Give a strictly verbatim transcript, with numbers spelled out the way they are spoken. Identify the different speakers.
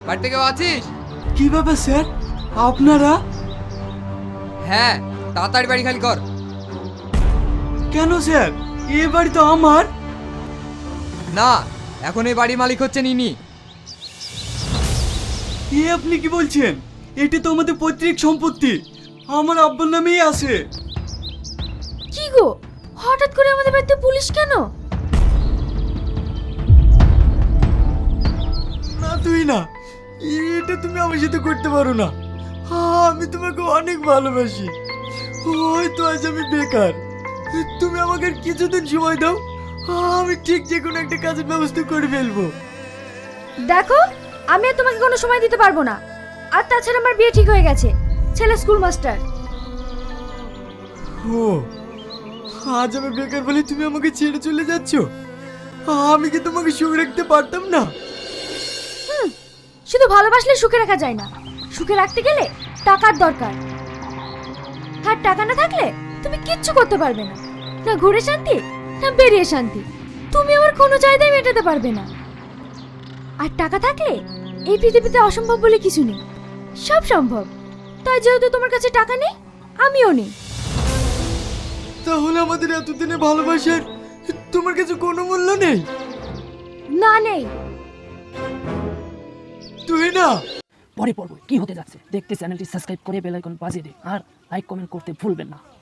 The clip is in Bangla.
Speaker 1: বাড়িতে কেউ আছিস?
Speaker 2: কি ব্যাপার স্যার, আপনারা?
Speaker 1: হ্যাঁ, তাড়াতাড়ি বাড়ি খালি কর।
Speaker 2: কেন স্যার, এ বাড়ি তো আমার।
Speaker 1: না, এখন এই বাড়ির মালিক হচ্ছে ইনি।
Speaker 2: এ আপনি কি বলছেন? এটা তো আমাদের পৈতৃক সম্পত্তি, আমার আব্বার নামেই আছে।
Speaker 3: কি গো, হঠাৎ করে আমাদের বাড়িতে পুলিশ কেন?
Speaker 2: না তুই না, এটা তুমি আমার সাথে করতে পারো না। আমি তোমাকে অনেক ভালোবাসি। হয়তো আজ আমি বেকার, তুমি আমাকে আর কিছুদিন সময় দাও, আমি ঠিক যে কোনো একটা কাজের ব্যবস্থা করে ফেলবো।
Speaker 3: দেখো, আমি আর তোমাকে কোনো সময় দিতে পারবো না। আর তাছাড়া আমার বিয়ে ঠিক হয়ে গেছে, ছেলে স্কুল মাস্টার।
Speaker 2: ও, আজ আমি বেকার বলে তুমি আমাকে ছেড়ে চলে যাচ্ছ? আমি কি তোমাকে সুখে রাখতে পারতাম না?
Speaker 3: হুম, শুধু ভালোবাসলে সুখে রাখা যায় না, সুখে রাখতে গেলে টাকার দরকার। আর টাকা না থাকলে তুমি কিচ্ছু করতে পারবে না, না ঘুরে শান্তি না বেরিয়ে শান্তি। তুমি আমার কোনো চাহিদাই মেটাতে পারবে না। আর টাকা থাকলে এই পৃথিবীতে অসম্ভব বলে কিছু নেই, সব সম্ভব। তাই যেহেতু তোমার কাছে টাকা নেই, আমিও নেই।
Speaker 2: তাহলে আমাদের এতদিনে ভালোবাসার তোমার কাছে কোনো মূল্য নেই?
Speaker 3: না, নেই।
Speaker 2: তুই না।
Speaker 4: পরে পর্ব কি হতে যাচ্ছে দেখতে চ্যানেলটি সাবস্ক্রাইব করে বেল আইকন বাজিয়ে দিন আর লাইক কমেন্ট করতে ভুলবেন না।